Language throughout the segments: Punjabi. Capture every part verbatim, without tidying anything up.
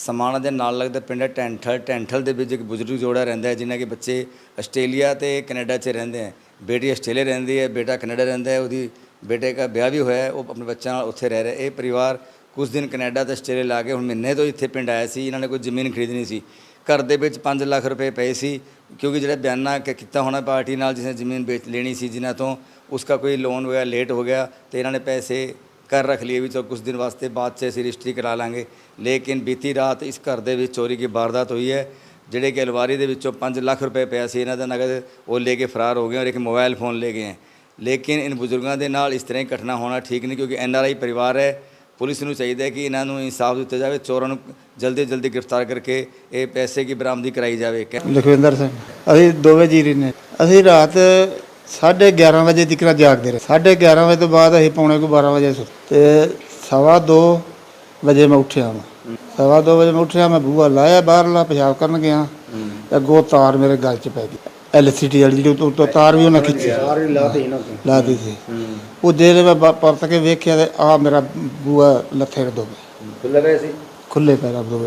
समाणा ਦੇ ਨਾਲ ਲੱਗਦਾ ਪਿੰਡ ਹੈ ਟੈਂਠਲ ਟੈਂਠਲ ਦੇ ਵਿੱਚ ਇੱਕ ਬਜ਼ੁਰਗ ਜੋੜਾ ਰਹਿੰਦਾ ਹੈ ਜਿਨ੍ਹਾਂ ਦੇ ਬੱਚੇ ਆਸਟ੍ਰੇਲੀਆ ਤੇ ਕੈਨੇਡਾ 'ਚ ਰਹਿੰਦੇ ਹੈ। बेटी आस्ट्रेलिया रही है, बेटा कनेडा रहा है, वो बेटे का ब्याह भी होया है, वो अपने बच्चों उत्थे रह रहे। ये परिवार कुछ दिन कनेडा तो आस्ट्रेलिया ला के हुण महीने तो इत्थे पिंड आया सी। इन्होंने कोई जमीन खरीदनी सी, घर दे विच पाँच लाख रुपए पे सी, क्योंकि जो बयाना किया होना पार्टी नाल जिसने जमीन बेच लेनी सी, जिन्हों तो उसका कोई लोन होया लेट हो गया तो इन्होंने पैसे कर रख लिए भी चलो कुछ दिन वास्ते बाद से असीं रजिस्ट्री करा लांगे। लेकिन बीती रात इस घर दे विच चोरी की वारदात हुई है, ਜਿਹੜੇ कि अलवारी ਦੇ ਵਿੱਚੋਂ पाँच ਲੱਖ रुपए ਪਿਆ ਸੀ ਇਹਨਾਂ ਦਾ नगद, वो लेके फरार हो गए और एक मोबाइल फ़ोन ले गए हैं। लेकिन इन बुजुर्गों के नाल इस तरह घटना होना ठीक नहीं, क्योंकि एन आर आई परिवार है। पुलिस नूं चाहिए कि इन्हों इंसाफ दिता जाए, चोरों नूं जल्दी जल्दी गिरफ्तार करके ये पैसे की बरामदी कराई जाए। लखविंदर सिंह असीं दोवें जीरी ने असीं रात साढ़े ग्यारह बजे तक जागते रहे। साढ़े ग्यारह बजे तो बाद असीं पौने को बारह बजे सुते, सवा दो बजे मैं उठिया। मैं सवा दो बजे मैं उठिया, मैं बूहा लाया बाहरला पेशाब करन गया, अगों तार मेरे गल च पै गई। एल सी टी वाली जो तो तार भी उन्हें खिंची ला दी थी। वो जेल्लै मैं परत के वेख्या तो आ मेरा बूहा लत्थे दो खुले पैर दो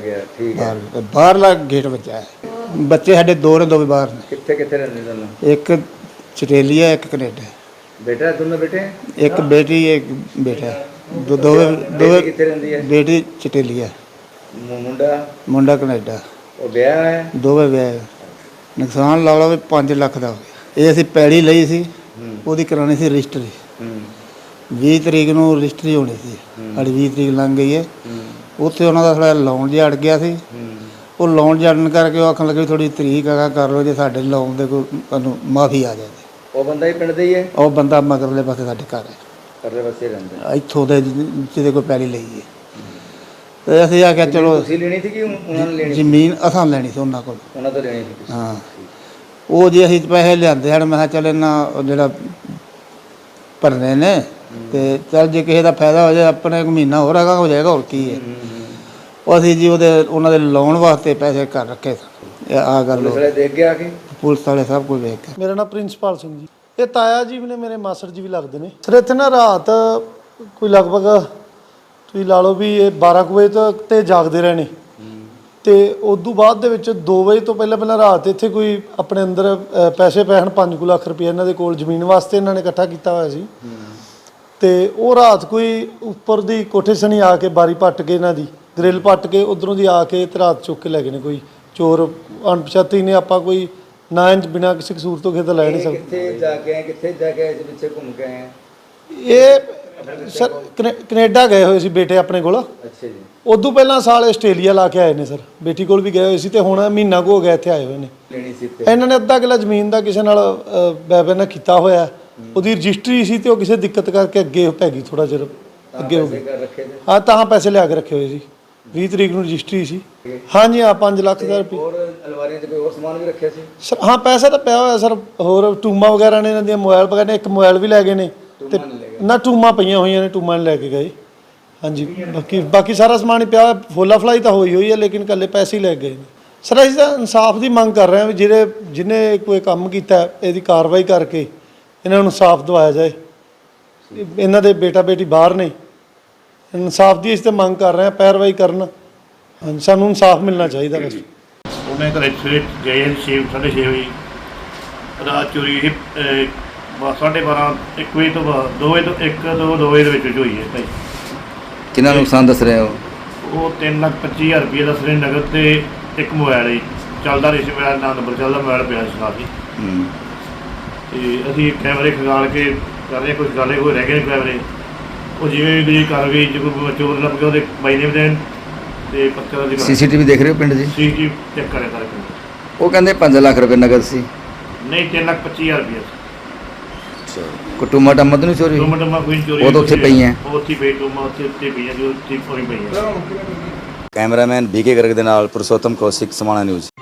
बाहरला गेट बचा है। बच्चे साढ़े दो ने, दो भी बाहर ने, एक आस्ट्रेलिया एक कनेडा। बेटा दोनों बेटे, एक बेटी एक बेटा, दो दो दो बेटी आस्ट्रेलिया, मुंडा मुंडा कनेडा, ਉਹ ਵਿਆਹ ਹੈ, ਦੋਵੇਂ ਵਿਆਹ। ਨੁਕਸਾਨ ਲਾ ਲਓ ਵੀ ਪੰਜ ਲੱਖ ਦਾ ਹੋ ਗਿਆ। ਇਹ ਅਸੀਂ ਪੈੜੀ ਲਈ ਸੀ, ਉਹਦੀ ਕਰਾਉਣੀ ਸੀ ਰਜਿਸਟਰੀ। ਵੀਹ ਤਰੀਕ ਨੂੰ ਰਜਿਸਟਰੀ ਹੋਣੀ ਸੀ, ਸਾਡੀ ਵੀਹ ਤਰੀਕ ਲੰਘ ਗਈ ਹੈ। ਉੱਥੇ ਉਹਨਾਂ ਦਾ ਥੋੜ੍ਹਾ ਲੋਨ ਜਿਹਾ ਅੜ ਗਿਆ ਸੀ। ਉਹ ਲੋਨ ਜੜਨ ਕਰਕੇ ਉਹ ਆਖਣ ਲੱਗੇ ਥੋੜ੍ਹੀ ਤਰੀਕ ਹੈਗਾ ਕਰ ਲਓ, ਜੇ ਸਾਡੇ ਲੋਨ ਦੇ ਕੋਈ ਤੁਹਾਨੂੰ ਮਾਫੀ ਆ ਜਾਵੇ। ਉਹ ਬੰਦਾ ਹੀ ਪਿੰਡ ਦਾ ਹੀ ਹੈ, ਉਹ ਬੰਦਾ ਮਗਰਲੇ ਪਾਸੇ ਸਾਡੇ ਘਰ ਹੈ, ਪਰਲੇ ਪਾਸੇ ਰਹਿੰਦਾ ਇੱਥੋਂ ਦੇ ਜਿਹਦੇ ਕੋਈ ਪੈੜੀ ਲਈ ਹੈ। ਤੇ ਅਸੀਂ ਆਖਿਆ ਚਲੋ ਤੁਸੀਂ ਲੈਣੀ ਸੀ ਕਿ ਉਹਨਾਂ ਨੇ ਲੈਣੀ? ਜ਼ਮੀਨ ਅਸਾਂ ਲੈਣੀ ਸੀ ਉਹਨਾਂ ਕੋਲ, ਉਹਨਾਂ ਤੋਂ ਲੈਣੀ ਸੀ। ਹਾਂ, ਉਹ ਜੇ ਅਸੀਂ ਪੈਸੇ ਲਿਆਂਦੇ ਹਨ, ਮੈਂ ਕਿਹਾ ਚੱਲ ਇਹਨਾਂ ਜਿਹੜਾ ਭਰਨੇ ਨੇ ਤੇ ਚੱਲ ਜੇ ਕਿਸੇ ਦਾ ਫਾਇਦਾ ਹੋ ਜਾਏ, ਆਪਣੇ ਇੱਕ ਮਹੀਨਾ ਹੋਰ ਹੈਗਾ ਹੋ ਜਾਏਗਾ, ਹੋਰ ਕੀ ਹੈ। ਉਹ ਅਸੀਂ ਜੀ ਉਹਦੇ ਉਹਨਾਂ ਦੇ ਲੋਨ ਵਾਸਤੇ ਪੈਸੇ ਕਰ ਰੱਖੇ ਸਨ। ਆ ਗੱਲ ਦੇਖ ਗਿਆ ਕਿ ਪੁਲਿਸ ਵਾਲੇ ਸਭ ਕੁਝ ਵੇਖ ਕੇ। ਮੇਰਾ ਨਾਮ ਪ੍ਰਿੰਸਪਾਲ ਸਿੰਘ ਜੀ, ਇਹ ਤਾਇਆ ਜੀ ਵੀ ਨੇ, ਮੇਰੇ ਮਾਸੜ ਜੀ ਵੀ ਲੱਗਦੇ ਨੇ ਸਰ। ਇੱਥੇ ਨਾ ਰਾਤ ਕੋਈ ਲਗਭਗ ਤੁਸੀਂ ਲਾ ਲਓ ਵੀ ਇਹ ਬਾਰਾਂ ਕੁ ਵਜੇ ਤੱਕ ਤੇ ਜਾਗਦੇ ਰਹੇ ਨੇ, ਤੇ ਉਦੋਂ ਬਾਅਦ ਦੇ ਵਿੱਚ ਦੋ ਵਜੇ ਤੋਂ ਪਹਿਲਾਂ ਪਹਿਲਾਂ ਰਾਤ ਇੱਥੇ ਕੋਈ ਆਪਣੇ ਅੰਦਰ ਪੈਸੇ ਪਏ ਹਨ ਪੰਜ ਕੁ ਲੱਖ ਰੁਪਏ ਇਹਨਾਂ ਦੇ ਕੋਲ ਜ਼ਮੀਨ ਵਾਸਤੇ ਇਹਨਾਂ ਨੇ ਇਕੱਠਾ ਕੀਤਾ ਹੋਇਆ ਸੀ। ਤੇ ਉਹ ਰਾਤ ਕੋਈ ਉੱਪਰ ਦੀ ਕੋਠੇ ਸਣੀ ਆ ਕੇ ਬਾਰੀ ਪੱਟ ਕੇ ਇਹਨਾਂ ਦੀ ਗ੍ਰਿਲ ਪੱਟ ਕੇ ਉਧਰੋਂ ਦੀ ਆ ਕੇ ਤੇ ਰਾਤ ਚੁੱਕ ਕੇ ਲੈ ਗਏ ਨੇ। ਕੋਈ ਚੋਰ ਅਣਪਛਾਤੀ ਨੇ, ਆਪਾਂ ਕੋਈ ਨਾ ਇੰਜ ਬਿਨਾਂ ਕਿਸੇ ਕਸੂਰ ਤੋਂ ਕਿਸੇ ਦਾ ਲੈ ਨਹੀਂ ਸਕਦੇ। ਕਿੱਥੇ ਜਾ ਕੇ ਆਏ, ਕਿੱਥੇ ਜਾ ਕੇ ਇਸ ਪਿੱਛੇ ਘੁੰਮ ਕੇ ਆਏ? ਇਹ ਸਰ ਕਨੇਡਾ ਗਏ ਹੋਏ ਸੀ ਬੇਟੇ ਆਪਣੇ ਕੋਲ। ਅੱਛਾ ਜੀ। ਉਦੋਂ ਪਹਿਲਾਂ ਸਾਲ ਆਸਟ੍ਰੇਲੀਆ ਲਾ ਕੇ ਆਏ ਨੇ ਸਰ, ਬੇਟੀ ਕੋਲ ਵੀ ਗਏ ਹੋਏ ਸੀ, ਤੇ ਹੁਣ ਮਹੀਨਾ ਕੁ ਹੋ ਗਿਆ ਇੱਥੇ ਆਏ ਹੋਏ ਨੇ। ਲੈਣੀ ਸੀ ਇਹਨਾਂ ਨੇ ਅੱਧਾ ਕਿੱਲਾ ਜ਼ਮੀਨ ਦਾ ਕਿਸੇ ਨਾਲ ਬੈਬੇ ਨਾਲ ਕੀਤਾ ਹੋਇਆ, ਉਹਦੀ ਰਜਿਸਟਰੀ ਸੀ ਤੇ ਉਹ ਕਿਸੇ ਦਿੱਕਤ ਕਰਕੇ ਅੱਗੇ ਪੈ ਗਈ, ਥੋੜਾ ਜਿਹਾ ਅੱਗੇ ਹੋ ਗਈ। ਹਾਂ, ਤਾਂ ਪੈਸੇ ਲਿਆ ਕੇ ਰੱਖੇ ਹੋਏ ਸੀ, ਵੀਹ ਤਰੀਕ ਨੂੰ ਰਜਿਸਟਰੀ ਸੀ। ਹਾਂਜੀ ਹਾਂ, ਪੰਜ ਲੱਖ ਦਾ ਰੁਪਏ। ਹੋਰ ਅਲਵਾਰੀਆਂ 'ਚ ਕੋਈ ਹੋਰ ਸਮਾਨ ਵੀ ਰੱਖਿਆ ਸੀ ਸਰ? ਹਾਂ, ਪੈਸਾ ਤਾਂ ਪਿਆ ਹੋਇਆ ਸਰ, ਹੋਰ ਟੂਮਾ ਵਗੈਰਾ ਨੇ, ਇਹਨਾਂ ਦੀਆਂ ਮੋਬਾਈਲ ਵਗੈਰਾ ਨੇ, ਇੱਕ ਮੋਬਾਈਲ ਵੀ ਲੈ ਗਏ ਨੇ ਤੇ ਨਾ ਟੂਮਾ ਪਈਆਂ ਹੋਈਆਂ ਨੇ, ਟੂਮਾ ਲੈ ਕੇ ਗਏ। ਹਾਂਜੀ, ਬਾਕੀ ਬਾਕੀ ਸਾਰਾ ਸਮਾਨ ਹੀ ਪਿਆ, ਫੋਲਾ ਫਲਾਈ ਤਾਂ ਹੋਈ ਹੋਈ ਹੈ, ਲੇਕਿਨ ਇਕੱਲੇ ਪੈਸੇ ਹੀ ਲੈ ਗਏ ਨੇ ਸਰ। ਅਸੀਂ ਤਾਂ ਇਨਸਾਫ ਦੀ ਮੰਗ ਕਰ ਰਹੇ ਹਾਂ ਵੀ ਜਿਹੜੇ ਜਿਹਨੇ ਕੋਈ ਕੰਮ ਕੀਤਾ ਇਹਦੀ ਕਾਰਵਾਈ ਕਰਕੇ ਇਹਨਾਂ ਨੂੰ ਇਨਸਾਫ ਦਿਵਾਇਆ ਜਾਏ। ਇਹਨਾਂ ਦੇ ਬੇਟਾ ਬੇਟੀ ਬਾਹਰ ਨੇ, ਇਨਸਾਫ ਦੀ ਅਸੀਂ ਤਾਂ ਮੰਗ ਕਰ ਰਹੇ ਹਾਂ, ਪੈਰਵਾਈ ਕਰਨ। ਹਾਂਜੀ, ਸਾਨੂੰ ਇਨਸਾਫ ਮਿਲਣਾ ਚਾਹੀਦਾ ਬਸ। ਉਹਨੇ ਘਰੇ ਸਵੇਰੇ ਗਏ ਛੇ ਸਾਢੇ ਛੇ ਵਜੇ, ਰਾਤ ਚੋਰੀ ਇਹ ਸਾਢੇ ਬਾਰਾਂ ਇੱਕ ਵਜੇ ਤੋਂ ਬਾਅਦ ਦੋ ਵਜੇ ਤੋਂ ਇੱਕ ਦੋ ਦੋ ਵਜੇ ਦੇ ਵਿੱਚ ਹੋਈ ਹੈ ਭਾਈ। ਕਿੰਨਾ ਨੁਕਸਾਨ ਦੱਸ ਰਹੇ ਹੋ? ਉਹ ਤਿੰਨ ਲੱਖ ਪੱਚੀ ਹਜ਼ਾਰ ਰੁਪਏ ਦੱਸ ਰਹੇ ਨਗਦ, ਤੇ ਇੱਕ ਮੋਬਾਈਲ ਹੀ ਚੱਲਦਾ ਰਹੀ ਸੀ, ਮੋਬਾਈਲ ਨਾਲ ਨੰਬਰ ਚੱਲਦਾ ਮੋਬਾਈਲ ਪਿਆ ਸੀ ਨਾਲ ਹੀ। ਤੇ ਅਸੀਂ ਕੈਮਰੇ ਖਗਾਲ ਕੇ ਕਰ ਰਹੇ, ਕੁਛ ਗਾਲੇ ਹੋਏ ਰਹਿ ਗਏ ਨੇ ਕੈਮਰੇ, ਉਹ ਜਿਵੇਂ ਵੀ ਕਰ ਗਈ, ਜੇ ਕੋਈ ਚੋਰ ਲੱਭ ਗਿਆ ਉਹਦੇ ਬਾਈ ਨੇ ਦੇਣ ਤੇ ਪੱਕਾ ਦੀ ਸੀ ਸੀ ਟੀ ਵੀ ਦੇਖ ਰਹੇ ਹੋ ਪਿੰਡ ਜੀ? ਸੀ ਟੀ ਚੈੱਕ ਕਰਿਆ ਸਾਰੇ ਪਿੰਡ। ਉਹ ਕਹਿੰਦੇ ਪੰਜ ਲੱਖ ਰੁਪਏ ਨਗਦ ਸੀ। ਨਹੀਂ, ਤਿੰਨ ਲੱਖ ਪੱਚੀ ਹਜ਼ਾਰ ਰੁਪਏ। ਕੋਈ ਟੂਮਾ ਟਾਮਾ ਤਾਂ ਨਹੀਂ ਚੋਰੀ? ਟੂਮਾ ਟਾਮਾ ਕੋਈ ਚੋਰੀ? ਉਹ ਤਾਂ ਉੱਥੇ ਪਈਆਂ, ਉਹ ਉੱਥੇ ਪਈ ਟੂਮਾ, ਉੱਥੇ ਉੱਥੇ ਪਈਆਂ ਜੋ ਉੱਥੇ ਪਈ ਪਈਆਂ। ਕੈਮਰਾਮੈਨ ਬੀ ਕੇ ਗਰਗ ਦੇ ਨਾਲ ਪੁਰਸ਼ੋਤਮ ਕੌਸ਼ਿਕ, ਸਮਾਣਾ ਨਿਊਜ਼।